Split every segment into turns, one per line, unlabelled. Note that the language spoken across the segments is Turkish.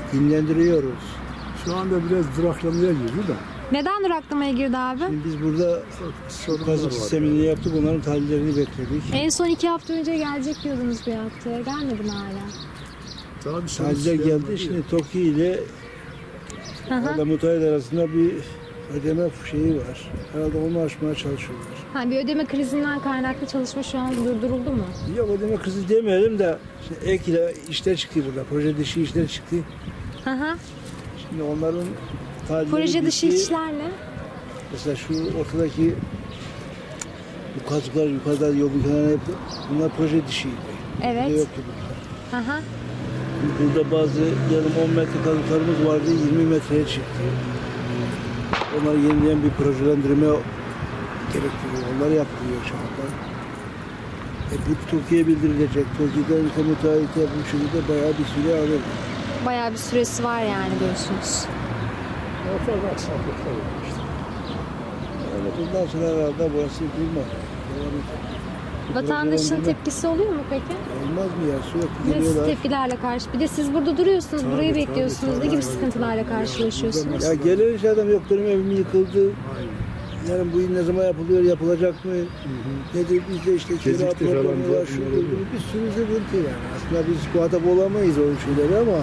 dinlendiriyoruz.
Şu anda biraz duraklamaya girdi de.
Neden duraklamaya girdi abi?
Şimdi biz burada
Sorunlar
kazık
var
sistemini yaptık, onların tahlillerini bekledik.
En son 2 hafta önce gelecek diyordunuz bir haftaya. Gelmedi mi hala?
Daha bir soru
Tahliller
gelmedi
geldi,
ya.
şimdi TOKİ ile
Hı hı.
orada müteahhit arasında bir ödeme şeyi var. Herhalde onu aşmaya çalışıyorlar.
Ha, bir ödeme krizinden kaynaklı çalışma şu an durduruldu mu?
Yok ödeme krizi demeyelim de işte ek ile işler çıktı burada. Proje dışı işler çıktı.
Hı hı.
Şimdi onların tahlilleri
Proje dışı
bitti.
işler ne?
Mesela şu ortadaki bu kazıklar yukarıda yol bir kenarına yaptı. Bunlar proje dışıydı.
Evet.
Burada yoktu bunlar.
Hı hı.
Burada bazı yarım 10 metre kazıklarımız vardı, 20 metreye çıktı. Onları yenileyen bir projelendirme gerektiriyor. Onlar yapılıyor şu anda. Bu TOKİ'ye bildirilecek. TOKİ'den müteahhite bu şekilde bayağı bir süre alır.
Bayağı bir süresi var yani diyorsunuz.
Daha fazla aksaklıklar var işte.
Yani bundan sonra herhalde burası durmaz.
Vatandaşın tepkisi oluyor mu peki?
Olmaz mı ya? Sürekli
Nasıl
geliyorlar.
tepkilerle karşı? Bir de siz burada duruyorsunuz,
Tabii,
burayı
tabii,
bekliyorsunuz.
tabii,
Ne gibi
tabii,
sıkıntılarla
tabii.
karşılaşıyorsunuz?
Ya gelen iş adam yok benim evim yıkıldı. Yani bu ne zaman yapılıyor, yapılacak mı? Nedir bizde işte kira
Gecikti falan
problemi
diye
var, şu
bunlar
bu,
oluyor.
bir sürü sıkıntı yani. Aslında biz muhatap olamayız o şeyleri ama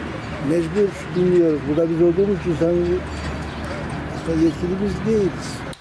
mecbur dinliyoruz. Burada biz olduğumuz için sanki aslında yetkili biz değiliz.